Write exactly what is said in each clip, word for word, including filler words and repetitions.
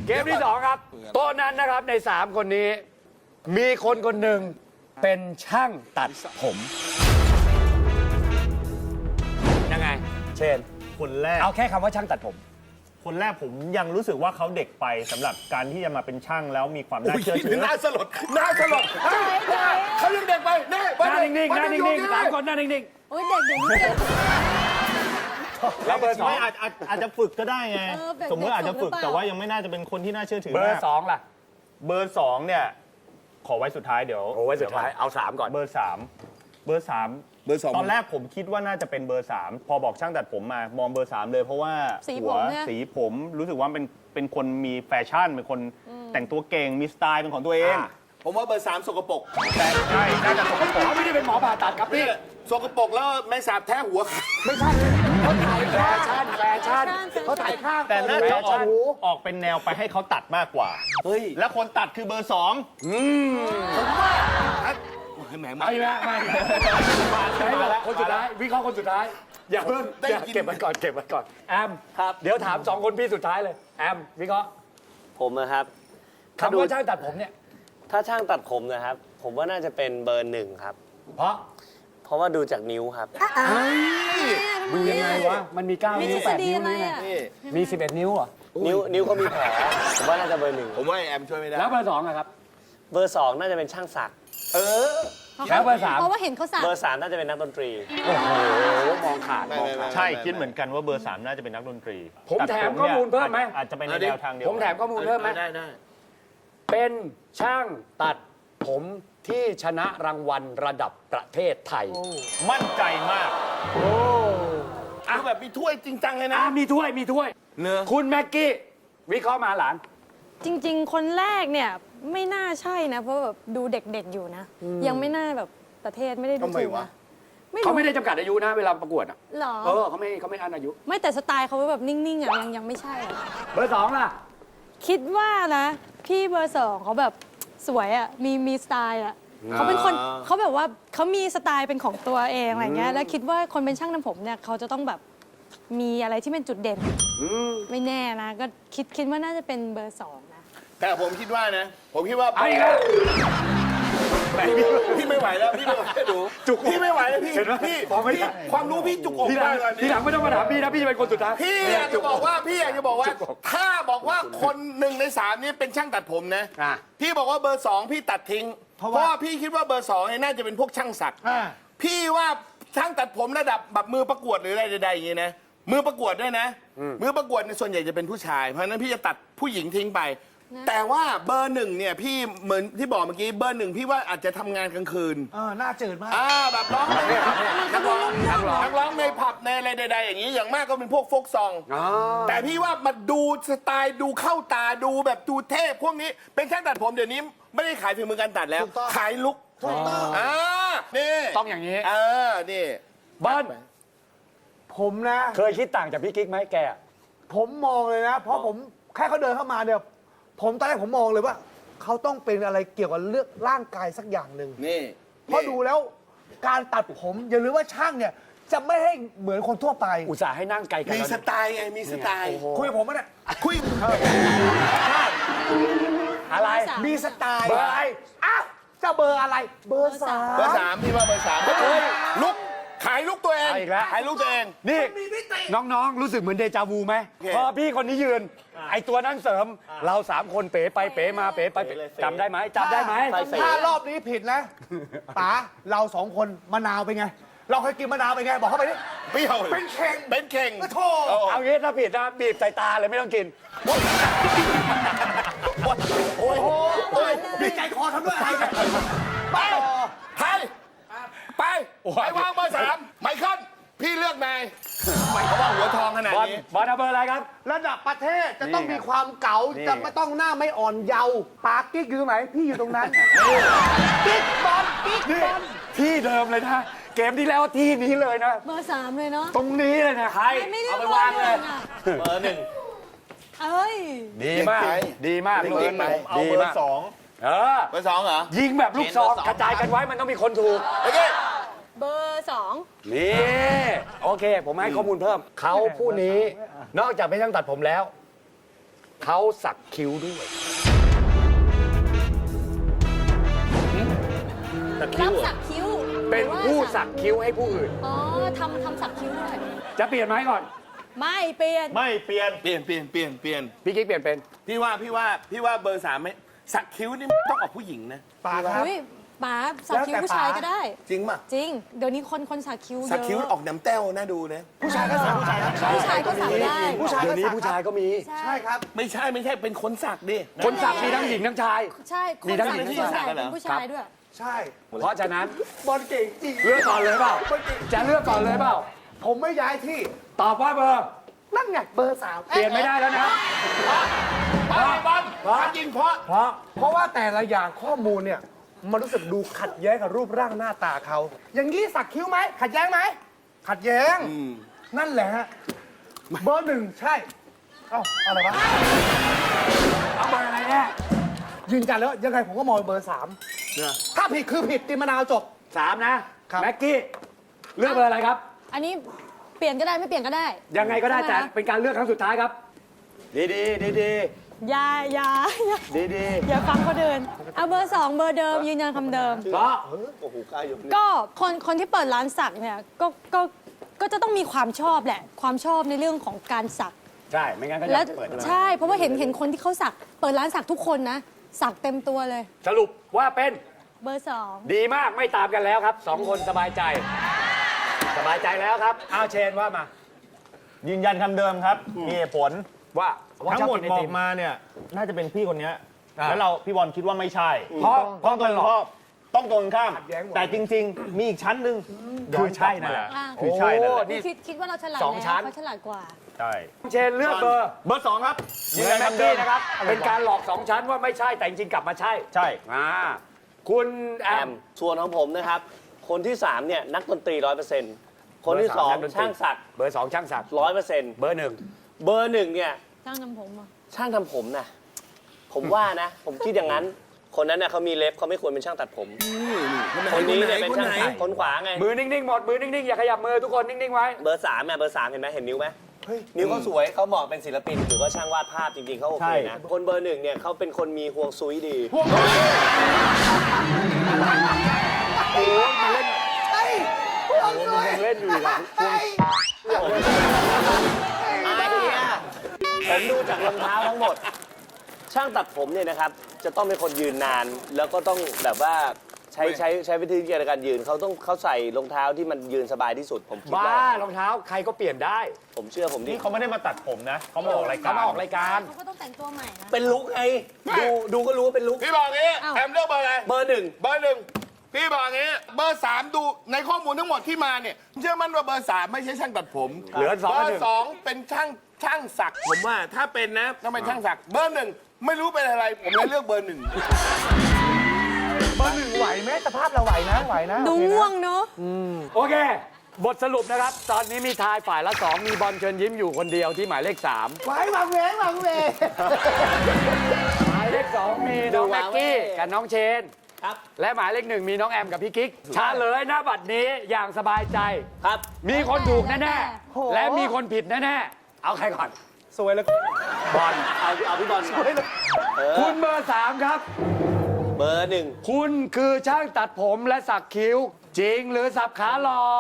เกมที่สองครับโต๊ะนั้นนะครับในสามคนนี้ มีคนคนหนึ่งเป็นช่างตัดผมยังไงเชนคนแรกเอาแค่คำว่าช่างตัดผมคนแรกผมยังรู้สึกว่าเขาเด็กไปสำหรับการที่จะมาเป็นช่างแล้วมีความน่าเชื่อถือน่าสลดน่าสลดเขายังเด็กไปแน่หน้านิ่งๆหน้านิ่งๆสามคนหน้านิ่งโอ้ยเด็กเดี๋ยวนี้เก่งๆแล้วเบอร์สองไม่อาจอาจอาจจะฝึกก็ได้ไงเออแบบสมมติอาจจะฝึกเด็กๆแต่ว่ายังไม่น่าจะเป็นคนที่น่าเชื่อถือเบอมากร์สองล่ะเบอร์สองเนี่ยขอไว้สุดท้ายเดี๋ยวโอ้ไว้สุดท้ายเอาสามก่อนเบอร์สามเบอร์สามเบอร์สองตอนแรกผมคิดว่าน่าจะเป็นเบอร์สามพอบอกช่างตัดผมมามองเบอร์สามเลยเพราะว่าสีหัผวมเนี่ยสีผมรู้สึกว่าเป็นเป็นคนมีแฟชั่นเป็นคนแต่งตัวเก่งมีสไตล์เป็นของตัวเองผมว่าเบอร์สามสกปรกแต่ใช่น่าจะสกปรกเขาไม่ได้เป็นหมอผ่าตัดครับพี่นี่สกปรกแล้วแมงสาบแท้หัวไม่ใช่เขาถ่ายแฟชั่นแฟชั่นเขาถ่ายข้างแต่น่าจะออกแฟชั่นออกเป็นแนวไปให้เขาตัดมากกว่าเฮ้ยและคนตัดคือเบอร์สองผมว่าแหมมาไม่ไม่ไม่ใช่แล้วคนสุดท้ายวิเคราะห์คนสุดท้าย อย่าเพิ่งได้อย่ายินเก็บมันก่อนเก็บมันก่อนแอมครับเดี๋ยวถามสองคนพี่สุดท้ายเลยแอมวิเคราะห์ผมนะครับถ้าคำดูว่าช่างตัดผมเนี่ยถ้าช่างตัดผมนะครับ ผมว่าน่าจะเป็นเบอร์หนึ่งครับเพราะเพราะว่าดูจากนิ้วครับดูยังไงวะมันมีเก้ามีนิ้ทวฤแปษดฎีนิ้วอะไรนี่อ่ะนี่มีสิบเอ็ดนิ้วเหรอนิ้วนิ้วเขามีแผลผมว่าน่าจะเบอร์หนึ่งผมว่าไอ้แอมช่วยไม่ได้แล้วเบอร์สองอะครับเบอร์สองน่าจะเป็นช่างศักดิ์เออแล้วเบอร์สามเพราะว่าเห็นเขาสักเบอร์สามน่าจะเป็นนักดนตรีโอ้โหมองขาดไม่มองไม่ขาดไม่ใช่คิดเหมือนกันว่าเบอร์สามน่าจะเป็นนักดนตรีผมตัดแถมนี่ยข้อมูลเพิ่มไหมอาจจะเป็นในเอาดิแนวทางเดียวผมแถมข้อมูลเพิ่มไหมได้ได้เป็นช่างตัดผมที่ชนะรางวัลระดับประเทศไทยมั่นใจมากเอาแบบมีถ้วยจริงจังเลยนะอ่ามีถ้วยมีถ้วยเนื้อคุณแม็กกี้วิเคราะห์มาหลานจริง ๆ คนแรกเนี่ยไม่น่าใช่นะ เพราะแบบดูเด็กๆอยู่นะ ยังไม่น่าแบบประเทศไม่ได้ดูทำไมถูกวะนะไม่เขารู้ไม่ได้จำกัดอายุนะเวลาประกวดอ่ะหรอเออเขาไม่เขาไม่อันอายุไม่แต่สไตล์เขาแบบนิ่งๆอ่ะยังยังไม่ใช่อ่ะเบอร์สองล่ะคิดว่านะพี่เบอร์สองเขาแบบสวยอ่ะมีมีสไตล์อ่ะเขาเป็นคนเขาแบบว่าเขามีสไตล์เป็นของตัวเองอะไรเงี้ยแล้วคิดว่าคนเป็นช่างทำผมเนี่ยเขาจะต้องแบบมีอะไรที่เป็นจุดเด่นไม่แน่นะ ก็คิดคิดว่าน่าจะเป็นเบอร์สองนะแต่ผมคิดว่านะ ผมคิดว่าเอาอีกแล้วแหมพี่พี่ไม่ไหวแล้วพี่ไม่ไหวแล้วดูจุกพี่ไม่ไหวแล้วพี่เห็นไหมพี่บอกไม่ได้พี่ความรู้พี่จุกอกทีหลัมาง กเลยทีหลังไม่ต้องมาถามพี่นะพี่จะเป็นคนสุดท้ายพี่อยากจะบอกว่าพี่อยากจะบอกว่า ถ้าบอกว่าคนหนึ่งในสามนี้เป็นช่างตัดผมนะอ่ะพี่บอกว่าเบอร์สองพี่ตัดทิ้ง เพราะว่าพี่คิดว่าเบอร์สองเนี่ยน่าจะเป็นพวกช่างสักพี่ว่าช่างตัดผมระดับแบบมือประกวดหรืออะไรใดๆอย่างนี้นะมือประกวดด้วยนะ มือประกวดเนี่ยส่วนใหญ่จะเป็นผู้ชาย เพราะฉะนั้นพี่จะตัดผู้หญิงทิ้งไป แต่ว่าเบอร์หนึ่งเนี่ยพี่เหมือนที่บอกเมื่อกี้เบอร์หนึ่งพี่ว่าอาจจะทำงานกลางคืนเออหน้าจืดมากอ่าแบบร้องในผับนักร้องนักร้องนักร้องในผับในอะไรใดๆอย่างนี้อย่างมากก็เป็นพวกโฟกซอง แต่พี่ว่ามาดูสไตล์ดูเข้าตาดูแบบดูเทพพวกนี้เป็นช่างตัดผมเดี๋ยวนี้ไม่ได้ขายฝีมือการตัดแล้วถูกต้องขายลุกถูกต้องอ่านี่ต้องอย่างนี้เออนี่เบิ้ลผมนะเคยคิดต่างจากพี่กิ๊กไหมแกอะผมมองเลยนะ เพราะผมแค่เขาเดินเข้ามาเนี่ยผมตอนแรกผมมองเลยว่าเขาต้องเป็นอะไรเกี่ยวกับเรื่องร่างกายสักอย่างหนึ่งนี่เพราะดูแล้วการตัดผมอย่าลืมว่าช่างเนี่ยจะไม่ให้เหมือนคนทั่วไปอุตส่าห์ให้นั่งไกลกันมีแล้วสนะไตล์ไงมีสไตล์คุยกับผมไหมเนี่ยคุยอะไรมีสไตล์เบอร์อะไรอ้าวจะเบอร์อะไร เบอร์สามเบอร์สามพี่ว่าเบอร์สามเฮ้ยลุกขายลุกตัวเองเอาอีกแล้วขายลุกตัวเองนี่น้องๆ รู้สึกเหมือนเดจาวูไหมโอเคพอพี่คนนี้ยืน ไอตัวนั่งเสริม เราสามคนเป๋ไปเป๋มาเป๋ไปเป๋จำได้ไหมจำได้ไหมไฟเฟถ้ารอบนี้ผิดนะป๋าเราสองคนมะนาวเป็นไง เราเคยกินมะนาวเป็นไง บอกเข้าไปดิเปรี้ยวเป็นเข่งเป็นเข่งโอ้โถโอ้เอางี้ถ้าผิดนะบีบใส่ตาเลยไม่ต้องกินโอ้ยโอ้ยดีใจคอทำด้วยอะไรเนี่ยไปไทยไป ไปวางเบอร์สามไมเคิลพี่เลือกนายไม่เขาว่าหัวทองขนาดบอลนี้บอลเอาเบอร์อะไรครับระดับประเทศจะต้องนี่ไงมีความเก๋านี่จะไม่ต้องหน้าไม่อ่อนเยาว์ปากกิ๊กอยู่ตรงไหน พี่อยู่ตรงนั้นกิ๊กบอลกิ๊กนี่บอลที่เดิมเลยนะ เกมที่แล้วที่นี้เลยนะเบอร์สามเลยเนาะตรงนี้เลยนะใครไม่ได้เอาไปวางเลยอ่ะเบอร์หนึ่งเอ้ยดีมากเก่งไปดีมากเก่งเบอร์ไปหนึ่งเอาดีเบอมากร์สองเออเบอร์สองเหรอยิงแบบลูกซองกระจายกันไว้มันต้องมีคนถูกโอเคเบอร์สองนี่โอเค ผมให้ข้อมูลเพิ่ม เขาผู้นี้นอกจากเป็นช่างตัดผมแล้วเขาสักคิ้วด้วยรับสักคิ้วเป็นหรือว่าผู้สักคิ้วให้ผู้อื่นอ๋อทำทำสักคิ้วด้วยจะเปลี่ยนไหมก่อนไม่เปลี่ยนไม่เปลี่ยนเปลี่ยนเปลี่ยนเปลี่ยนเปลี่ยนพี่กิ๊กเปลี่ยนเป็นพี่ว่าพี่ว่าพี่ว่าเบอร์สามไม่สักคิ้วนี่ต้องออกผู้หญิงนะปากครับอุ้ยป๋าสักคิ้วแล้วแต่ผู้ชายป๋าก็ได้จริงป่ะจริง เดี๋ยวนี้คนคนสักคิ้วเยอะสักคิ้วออกน้ำแต้วน่าดูนะผู้ชายก็สักผู้ชายผู้ชายก็สักได้ผู้ชายเดี๋ยวนี้ก็สักผู้ชายก็มีใช่ครับไม่ใช่ไม่ใช่เป็นคนสักดิคนสักมีทั้งหญิงทั้งชายใช่คนมีทั้งสักหญิงที่ทั้งใหชายญ่เป็นผู้ชายด้วยใช่เพราะฉะนั้นบอลเก่งจริงเลือกก่อนเลยเปล่า จะเลือกก่อนเลยเปล่าผมไม่ย้ายที่ตอบว่าเบอร์นั่นไงเบอร์สามเปลี่ยนไม่ได้แล้วนะเพราะบอลเพราะจริงเพราะเพราะเพราะว่าแต่ละอย่างข้อมูลเนี่ย มันรู้สึกดูขัดแย้งกับรูปร่างหน้าตาเขา อย่างนี้สักคิ้วไหม ขัดแย้งไหม ขัดแย้ง นั่นแหละฮะ เบอร์หนึ่งใช่ เอ้าอะไรวะเอาเบอร์อะไรแน่ยืนยันแล้วยังไงผมก็มองเบอร์สามถ้าผิดคือผิดตีมะนาวจบสามนะครับ แม็กกี้ เลือกเบอร์อะไรครับอันนี้เปลี่ยนก็ได้ไม่เปลี่ยนก็ได้ยังไงก็ได้ใช่แต่หมคะเป็นการเลือกครั้งสุดท้ายครับ ดีดีดีดีอย่าอย่าอย่าดีดีอย่าฟังเขาเดิน เอาเบอร์สองเบอร์เดิมยืนยันคำเดิมเพราะโอ้โหกล้ายกนิ้วก็คนคนที่เปิดร้านสักเนี่ยก็ก็ก็จะต้องมีความชอบแหละ ความชอบในเรื่องของการสักใช่ ไม่งั้นก็จะแล้วเปิดใช่เพราะว่าเห็นเห็นคนที่เขาสัก เปิดร้านสักทุกคนนะ สักเต็มตัวเลยสรุปว่าเป็นเบอร์สองดีมากไม่ตามกันแล้วครับสองคนสบายใจ สบายใจแล้วครับเอาเชนว่ามายืนยันคำเดิมครับ มีเหตุผลว่าว่าทั้งหมดชบกินบไออติกมาเนี่ย น่าจะเป็นพี่คนเนี้ยอ่าแล้วเราพี่บอลคิดว่าไม่ใช่เพราะเพราะตรงข้ามต้องตรงข้ามขัดแย้งหมดแต่จริง ๆ มีอีกชั้นหนึ่งคือใช่นั่นแหละอ่ะคือใช่นั่นแหละโอ้นี่คิดคิดว่าเราฉลาดสองชั้นแล้วเขาฉลาดกว่าใช่เชนเลือกเบอร์เบอร์สองครับเหมือนแม็กกี้นะครับ เป็นการหลอกสองชั้นว่าไม่ใช่แต่จริงๆกลับมาใช่ใช่อ่าคุณแอแอมมส่วนของผมนะครับ คนที่สามเนี่ยนักดนตรีร้อยเปอร์เซ็นต์คนที่สองเบอร์สามนักดนตรีช่างสักเบอร์สองช่างสักร้อยเปอร์เซ็นต์เบอร์หนึ่งเบอร์หนึ่งเนี่ยช่างทำผมอ่ะช่างทำผมนะผมว่านะ ผมคิดอย่างนั้น คนนั้นเน่ยเขามีเล็บเขาไม่ควรเป็นช่างตัดผม คนนี้เนี่ยเป็นช่างสักคนขวาไงมือนิ่งๆหมดมือนิ่งๆอย่าขยับมือทุกคนนิ่งๆไว้เบอร์สามเนี่ยเบอร์สามเห็นไหมเห็นนิ้วไหมเฮ้ยนิ้วเขาสวยเขาเหมาะเป็นศิลปินหรือว่าช่างวาดภาพจริงๆเขาโอเคนะคนเบอร์หนึ่งเนี่ยเขาเป็นคนมีห่วงซุยดีโอ้ยมาเล่นยังเล่นอยู่นะไอ้เนี่ยผมดูจากรองเท้าทั้งหมด ช่างตัดผมเนี่ยนะครับ จะต้องเป็นคนยืนนาน แล้วก็ต้องแบบว่าใช้ใช้ใช้วิธีในการยืนเขาต้องเขาใส่รองเท้าที่มันยืนสบายที่สุด ผมคิดบ้าว่ารองเท้าใครก็เปลี่ยนได้ผมเชื่อผมดินี่เขาไม่ได้มาตัดผมนะ เขามาออกรายการเขามาออกรายการเขาก็ต้องแต่งตัวใหม่นะเป็นลุกไงดูดูก็รู้ว่าเป็นลุกพี่บอกงี้อ้าวแอมเลือกเบอร์อะไรเบอร์หนึ่งเบอร์หนึ่งพี่บอกงี้เบอร์สามดูในข้อมูลทั้งหมดที่มาเนี่ยเชื่อมั่นว่าเบอร์สามไม่ใช่ช่างตัดผมเหลือสองเบกับอหนึ่งร์สองเป็นช่างช่างสักผมว่าถ้าเป็นนะต้องเป็นช่างสักเบอร์หนึ่งไม่รู้เป็นอะไรผมเลยเลือกเบอร์หนึ่งเบอร์หนึ่งไหวไหมสภาพเราไหวนะ ไหวนะดูโอเคนะง่วงเนาะโอเค บทสรุปนะครับ ตอนนี้มีทายฝ่ายละสองมีบอลเชิญยิ้มอยู่คนเดียวที่หมายเลขสามไหวหวังเวงหวังเวงหมายเลขสองมีน้องแม็กกี้กับน้องเชนครับและหมายเลขหนึ่งมีน้องแอมกับพี่กิ๊กเฉลยหน้าบัตรนี้อย่างสบายใจครับมีคนถูกแน่โหๆ และมีคนผิดแน่ๆ เอาใครก่อนสวยเลยบอลเอาเอาพี่บอลก่อนเออคุณเบอร์สามครับเบอร์หนึ่งคุณคือช่างตัดผมและสักคิ้ว จริงหรือสับขาหลอก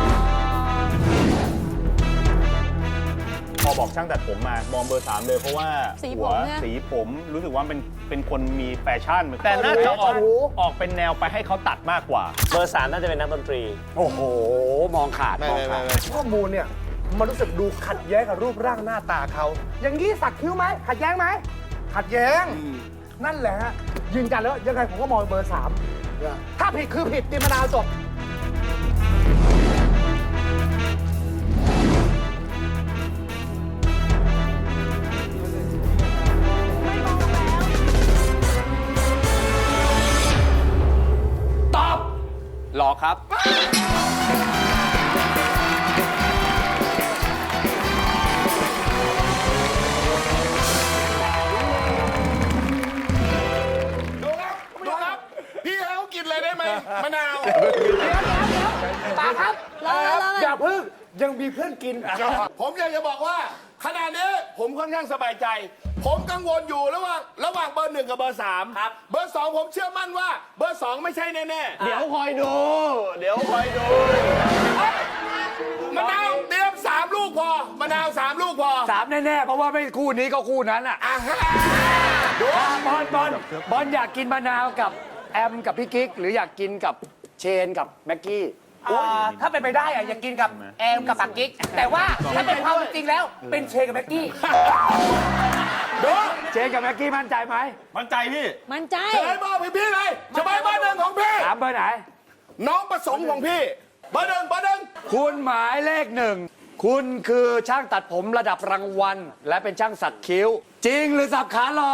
พอบอกช่างตัดผมมามองเบอร์สามเลยเพราะว่าสีผมหัวเนี่ยสีผมรู้สึกว่าเป็นเป็นคนมีแฟชั่น แต่น่าจะออกออกเป็นแนวไปให้เขาตัดมากกว่าเบอร์สามน่าจะเป็นนักดนตรีโอ้โห มองขาดไม่มองไม่ขาไม่ดไม่ข้อมูลเนี่ย มันรู้สึกดูขัดแย้งกับรูปร่างหน้าตาเขา อย่างนี้สักคิ้วไหม ขัดแย้งไหม ขัดแย้ง นั่นแหละฮะ ยืนยันแล้วยังไงผมก็มองเบอร์สามถ้าผิดคือผิดตีมะนาวจบตอบหลอกครับดูครับดูครับพี่ให้เขากินเลยได้ไหมมะนาวตาครับรอรออย่าพึ่ง ยังมีเพื่อนกินผมอยากจะบอกว่าขณะนี้ผมค่อนข้างสบายใจ ผผมกังวลอยู่ระหว่างระหว่างเบอร์หนึ่งกับเบอร์สามครับเบอร์สองผมเชื่อมั่นว่าเบอร์สองไม่ใช่แน่ๆเดี๋ยวคอยดู เดี๋ยวคอยดูมะนาวเตรียมสามลูกพอมะนาวสามลูกพอสามแน่ๆเพราะว่าไม่คู่นี้ก็คู่นั้นอ่ะอ่ะฮะดูบอลบอลบอลอยากกินมะนาวกับแอมกับพี่กิ๊กหรืออยากกินกับเชนกับแม็กกี้อ่าถ้าเป็นไปได้อะอยากกินกับแอมกับปักกิ๊กแต่ว่าถ้าเป็นความจริงแล้วเป็นเชกับแม็กกี้ดูเชนกับแม็กกี้มั่นใจไหมมั่นใจพี่มันใจเฉลยเบอร์พี่พี่เลยเฉลยเบอร์หนึ่งของพี่ถามเบอร์ไหนน้องประสงค์ของพี่เบอร์หนึ่งเบอร์หนึ่งคุณหมายเลขหนึ่งคุณคือช่างตัดผมระดับรางวัล และเป็นช่างสักคิ้ว จริงหรือสับขาหลอก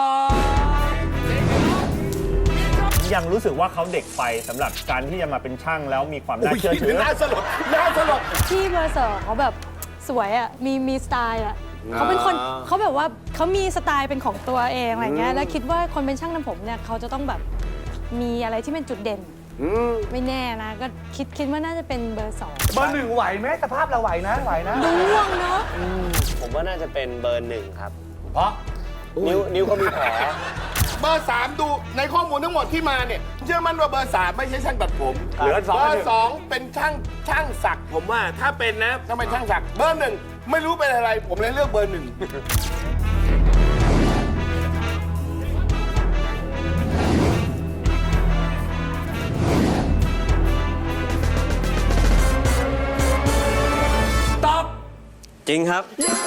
ยังรู้สึกว่าเขาเด็กไปสำหรับการที่จะมาเป็นช่างแล้วมีความน่าเชื่อถือน่าสลดน่าสลดพี่เบอร์สองเขาแบบสวยอ่ะ มีมีสไตล์อ่ะเขาเป็นคนเขาแบบว่าเขามีสไตล์เป็นของตัวเองอะไรเงี้ย แล้วคิดว่าคนเป็นช่างทำผมเนี่ยเขาจะต้องแบบมีอะไรที่เป็นจุดเด่น ไม่แน่นะ ก็คิดคิดว่าน่าจะเป็นเบอร์สองเบอร์หนึ่งไหวไหมสภาพเราไหวนะไหวนะดูง่วงเนาะผมว่าน่าจะเป็นเบอร์หนึ่งครับเพราะนิ้วนิ้วเขามีแผลเบอร์สามดูในข้อมูลทั้งหมดที่มาเนี่ยเชื่อมั่นว่าเบอร์สามไม่ใช่ช่างตัดผมเหลือสองเบอหนึ่ร์งสองเป็นช่างช่างสักผมว่าถ้าเป็นนะถ้าเป็นช่างสักเบอร์หนึ่งไม่รู้เป็นอะไร ผมเลยเลือกเบอร์หนึ่งตอบจริงครับ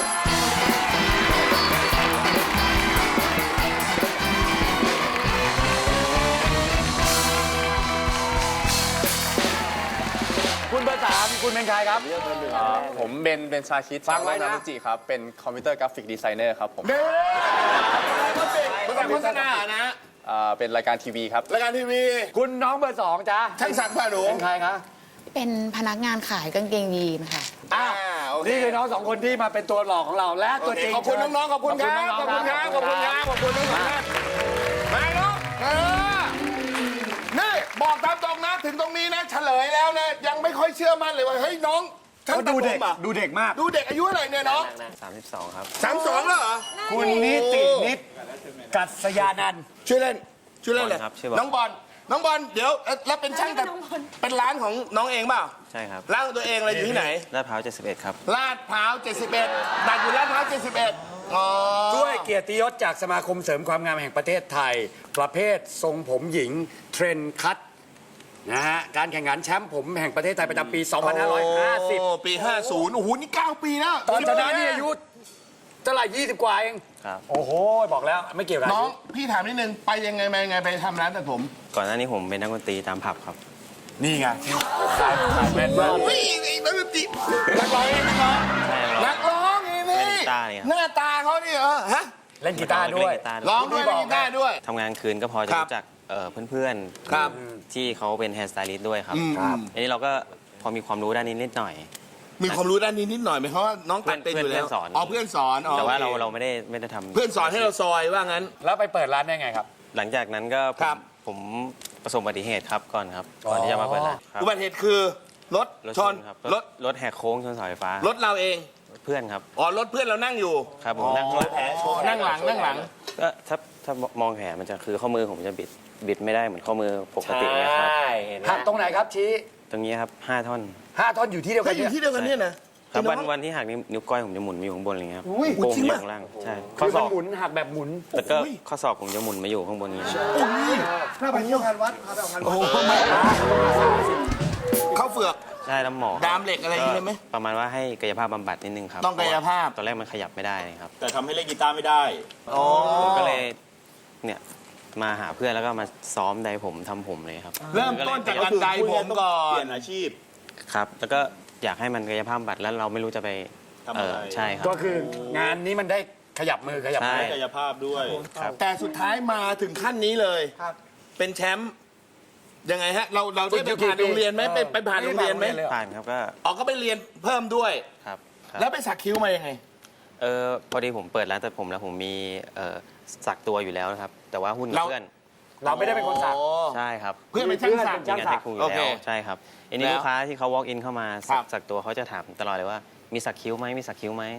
คุณเบอร์สามคุณเป็นใครครับผมเบนเบนชาคิดฟังไว้นะจากนารุจิครับ เป็นคอมพิวเตอร์กราฟิกดีไซเนอร์ครับผมเด้อภาษาโฆษณานะอ่าเป็นรายการทีวีครับรายการทีวีคุณน้องเบอร์สองจ้าช่างสักผ่าหนูเป็นใครคะเป็นพนักงานขายกางเกงยีนค่ะอ่าโอเคนี่คือน้องสองคนที่มาเป็นตัวหลอกของเราและโอตัวเคจริงขอบคุณน้องๆขอบคุณครับขอบคุณครับขอบคุณครับขอบคุณทั้งสองท่านมาเนาะเออนี่บอกตามตรงนะถึงตรงนี้นะเฉลยแล้วนะยังไม่ค่อยเชื่อมั่นเลยว่าเฮ้ยน้องช่างเขาตัดดูผเด็กมอ่ะดูเด็กมากดูเด็กอายุเท่าไหร่เนี่ยน้องสามสิบสองครับสามสองแล้วเหรอคุณนิตินิดกัศยานันท์ชื่อเล่นชื่อเล่นเลยบอลครับชื่อบอลน้องบอลน้องบอลเดี๋ยวเอ่อแล้วเป็นช่างตัดเป็นร้านของน้องเองเปล่าใช่ครับร้านของตัวเองอะไรอยู่ที่ไหนลาดพร้าวเจ็ดสิบเอ็ดครับลาดพร้าวเจ็ดสิบเอ็ดตัดอยู่ลาดพร้าวเจ็ดสิบเอ็ดอ๋อด้วยเกียรติยศจากสมาคมเสริมความงามแห่งประเทศไทย ประเภททรงผมหญิงเทรนด์คัตนะฮะการแข่งขันแชมป์ผมแห่งประเทศไทยประจำปี สองพันห้าร้อยห้าสิบโอ้ปีห้าสิบโอ้โหนี่เก้าปีแล้วตอนชนะนี่อายุเท่าไหร่ยี่สิบกว่าเองครับโอ้โห บอกแล้วไม่เกี่ยวกับน้อาองยุพี่ถามนิดนึงไปยังไงมายังไงไปทำร้านตัดผมก่อนหน้านี้ผมเป็นนักดนตรีตามผับครับนี่ไงเฮ้ยไอ้นักดนตรีนักร้องเองนักร้องใช่ครับนักร้องนี่เล่นี่นกีตาร์เนี่ยหน้าตาเขานี่เออฮะเล่นกีตาร์ด้วยเล่นกีตาร์ร้องด้วยเล่นกีตาร์ด้วยทำงานคืนก็พอจะครับรู้จักเอ่อเพื่อนครับๆ ที่เขาเป็นแฮร์สไตลิสต์ด้วยครับอืมอันนี้เราก็พอมีความรู้ด้านนี้นิดหน่อยมีความรู้ด้านนี้นิดหน่อยไหมเพราะว่าน้องตัดเป็นอยู่แล้วเพื่อนสอนอ๋อเพื่อนสอนอ๋อแต่ว่าเราโอคเราไม่ได้ไม่ได้ทำเพื่อนสอนให้เราซอยว่างั้นแล้วไปเปิดร้านได้ไงครับหลังจากนั้นก็ผมครับผมประสบอุบัติเหตุครับก่อนครับ ก่อนที่จะมาเปิดร้านครับอุบัติเหตุคือรถรถชชนนครับรรถถรถแหกโค้งชนเสาไฟฟ้ารถเราเองเพื่อนครับอ๋อรถเพื่อนเรานั่งอยู่ครับผมนั่งรถนั่งหลังนั่งหลังก็ถ้าถ้ามองแผลมันจะคือข้อมือผมจะบิดบิดไม่ได้เหมือนข้อมือปกตินะครับหักตรงไหนครับชี้ตรงนี้ครับห้าท่อนห้าท่อนอยู่ที่เดียวกัก็นอยู่เนี่ยที่เดียวกันเนี่ยนะครับวันไอ้น้องวันที่หักนิ้วนิ้วก้อยผมจะหมุนมาอยู่ข้างบนอะไรเงี้ยครับอุ้ยโป้งจริงอยู่ปะข้างล่างใช่คืข้ออศมันอกหมุนหักแบบหมุนแล้วก็ข้อศอกผมจะหมุนมาอยู่ข้างบนนี้หน้าไปเที่ยวงานวัดพาไปเอางานวัดโอ้โหไม่เข้าเฟือกใช่แล้วหมอดามเหล็กอะไรอย่างงี้ได้ไหมประมาณว่าให้กายภาพบำบัดนิดนึงครับต้องกายภาพตอนแรกมันขยับไม่ได้เลยครับแต่ทำให้เล่นกีตาร์ไม่ได้อ๋อผมก็เลยเนี่ยมาหาเพื่อนแล้วก็มาซ้อมไดผมทำผมเลยครับเริ่มต้นจากการไดผมก่อเปนลี่ยนอาชีพครับ แล้วก็อยากให้มันกายภาพบำบัดแล้วเราไม่รู้จะไปทำอะไรเใช่ครับก็คืองานนี้มันได้ขยับมือขยับใช่ไม้กายภาพด้วยครับแต่สุดท้ายมาถึงขั้นนี้เลยครับเป็นแชมป์ยังไงฮะ เราเราได้ไปผ่านโรงเรียนไหมไปไปผ่านโรงเรียนไหมผ่านครับก็อ๋อก็ไปเรียนเพิ่มด้วยครับครับแล้วไปสักคิ้วมายังไงเออพอดีผมเปิดร้านตัดผมแล้วผมมีเอ่อสักตัวอยู่แล้วนะครับ แต่ว่าหุ้นกับเราเพื่อนเราไม่ได้เป็นคนสักอ๋อใช่ครับเพื่อนเป็นช่างสักช่างมีงานสัให้กครูอโอยู่ เคแล้วใช่ครับอันนี้แล้วลูกค้าที่เขา walk in เข้ามาครัสับกสักตัวเขาจะถามตลอดเลยว่ามีสักคิ้วไหมมีสักคิ้วไหม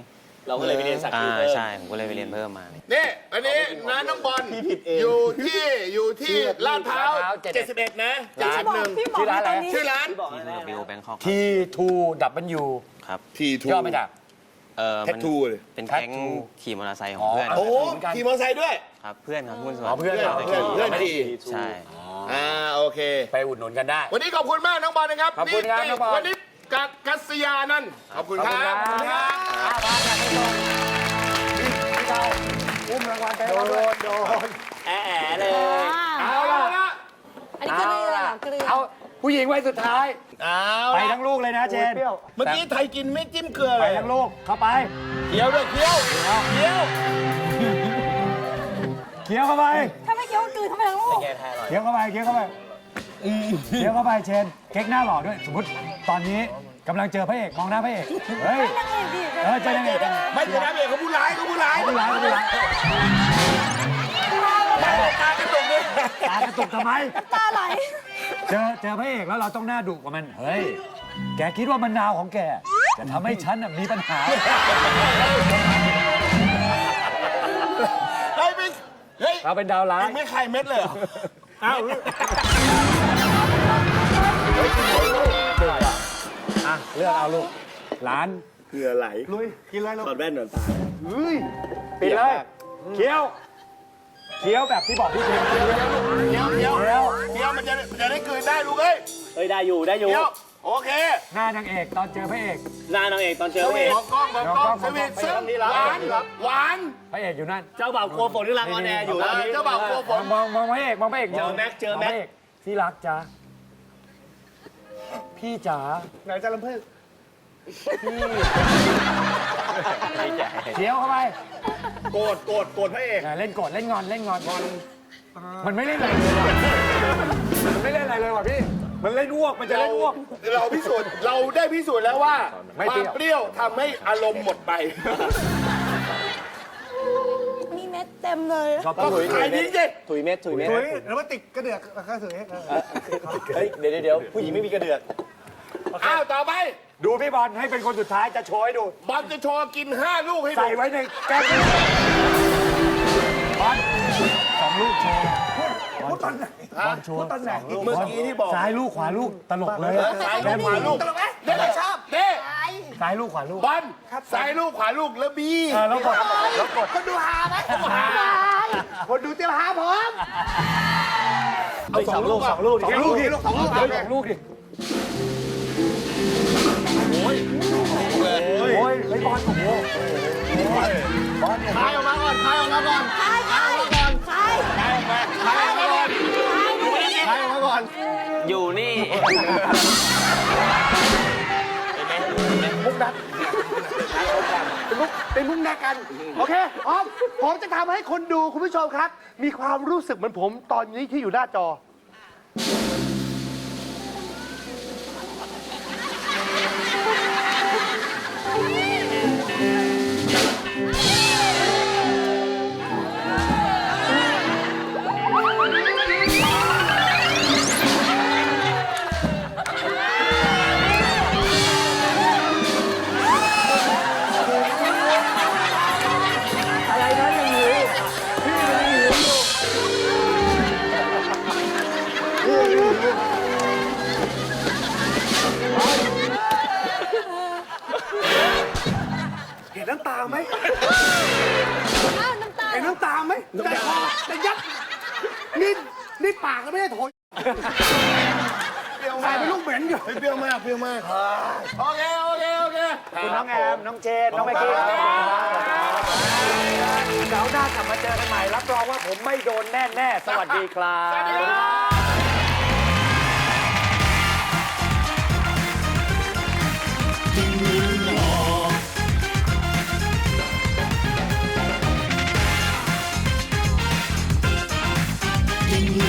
เราก็เลยไปเรียนสักอ่าคิ้วเพิ่มใช่ ผมก็เลยไปเรียนเพิ่มมานี่อันนี้น้าน้องบอลพี่ผิดเองอยู่ที่อยู่ที่ลาดพร้าวลาดพร้าวเจ็ดเจ็ดสิบเอ็ดนะพี่บอกพี่บอกชื่อร้านอะไรตอนนี้ชื่อร้านที่บอกอะไรบิวแบงคอกทีทูดับเบิลยูครับทีทูย่อมาจากเออแท็มันทูเลยเป็นแก๊ง Tattoo ขี่มอเตอร์ไซค์ขอ๋องอเพื่อนโอ้โหขี่มอเตอร์ไซค์ด้วยครับ เพื่อนครับหุ้นส่วนอ๋อเพื่อนเพื่อนเราเพื่อนเพื่อนขี่ใช่อ่าโอเคไปอุดหนุนกันได้วันนี้ขอบคุณมากน้องบอลนะครับขอบคุณครับน้องบอลวันนี้กัสกัสยานั่นท์ขอบคุณครับขอบคุณครับ อ้าวมาอยากให้ชมพี่เราอุ้มรางวัลไปโดนโดนโดนแอะแอะเลยเอาละอันนี้เกลือเหรอเกลือเอาผู้หญิงไว้สุดท้ายเอาไปละทั้งลูกเลยนะเจนเมื่อกี้ไทยกินไม่จิ้มเกลือไปเลยทั้งลูก เข้าไปเคี้ยวด้วยเคี้ยวเคี้ยวเคี้ยวเข้าไปถ้าไม่เกี่ยวกับกลืนทำไมทั้งลูกแกแท้อร่อยเคี้ยวเข้าไป เคี้ยวเข้าไปเคี้ยวเข้าไปเชน เค้กหน้าหล่อด้วย สมมติตอนนี้กำลังเจอพระเอก มองหน้าพระเอก เฮ้ยนั่งเองดิเออเจอนางเอกไม่ใช่น้ำเอกเขาผู้ร้ายเขาผู้ร้ายไม่ร้ายไม่ร้ายตากระตุกเลยตากระตุกทำไมตาไหลเจอเจอพระเอกแล้วเราต้องหน้าดุกว่ามัน เฮ้ย แกคิดว่ามะนาวของแกจะทำให้ฉันน่ะมีปัญหาเฮ้ยไม่เฮ้ยเราเป็นดาวร้าเอย งไม่ใครเม็ดเลยเหรออ้าวอ่ะเลือกเอาลูกหลานเกลือไหลลุย กินเลยลูกตอนแว่นหนอนตาปิดเลยเคี้ยวเคี้ยวแบบที่บอกพี่เชนเคี้ยวเคี้ยวเคี้ยวเคี้ยวเคี้ยวมันจะมันจะได้กลืนได้ลูกเอ้ยเฮ้ยได้อยู่ได้อยู่เคี้ยวโอเคหน้านางเอกตอนเจอพระเอกหน้านางเอกตอนเจอเอกมองกล้องมองกล้องสวีทซึ่งหวานหวานพระเอกอยู่นั่นเจ้าบ่าวกลัวฝนที่รังออนแอร์อยู่เออเจ้าบ่าวกลัวฝนมองมองพระเอกมองพระเอกเจอแม็กเจอแม็กงพระกที่รักจ้าพี่จ๋าไหนจะลำเพิ่งเคี้ยวเข้าไปโกรธโกรธโกรธพระเอกอ่ะเล่นโกรธเล่นงอนเล่นงอนมันไม่เล่นอะไรเลยว่ะมันไม่เล่นอะไรเลยว่ะพี่มันเล่นอ้วกมันจะเราเล่นอ้วกเราพิสูจน์เราได้พิสูจน์แล้วว่าไม่ควาเปรี้ยวมเปรี้ยวทำให้อารมณ์หมดไปมีเม็ดเต็มเลยชอบก็ถุยขายทิ้งสิถุยเม็ดถุยเม็ดถุยแล้วมาติดกระเดือกกระสือเออเฮ้ยเดี๋ยวเดี๋ยวเดี๋ยวผู้หญิงไม่มีกระเดือกอ้าวต่อไปดูพี่บอลให้เป็นคนสุดท้ายจะโชว์ให้ดูบอลจะโชว์กินห้าลูกให้ดูใส่ไว้ในแก้วบอลสองลูกโชว์บอลตอนไหนบอลโชว์ตอนไหนเมื่อกี้ที่บอกซ้ายลูกขวาลูกตลกเลยซ้ายลูกขวาลูกเด้ชอบเด้ซ้ายลูกขวาลูกบอลซ้ายลูกขวาลูกแล้วบีเออแล้วกดแล้วกดคนดูหาไหมคนดูเตรียมหาผมเอาสองลูกสองลูกสองลูกดิสองลูกดิสองลูกดิโอ้ยโอ้ยไอ้บอลโอ้โหบอลเนี่ยคายออกมาก่อนคายออกมาก่อนคายคายคายคายออกมาคายออกมาก่อนคายออกมาก่อนอยู่นี่มุกดักเป็นมุกเป็นมุกดักกัน โอเคออมผมจะทำให้คนดูคุณผู้ชมครับ มีความรู้สึกเหมือนผมตอนนี้ที่อยู่หน้าจอ เห็นน้ำตาไหมอ้าวน้ำตาเห็นน้ำตาไหมใจคอแต่ยัดนี่นี่ปากก็ไม่ได้โถยใส่เป็นลูกเหม็นอยู่เปรี้ยวมากเปรี้ยวมากโอเคโอเคโอเคคุณน้องแอม น้องเจน น้องไมค์กี้เสาร์หน้ากลับมาเจอกันใหม่ รับรองว่าผมไม่โดนแน่แน่ๆสวัสดีครับสวัสดีครับ Ding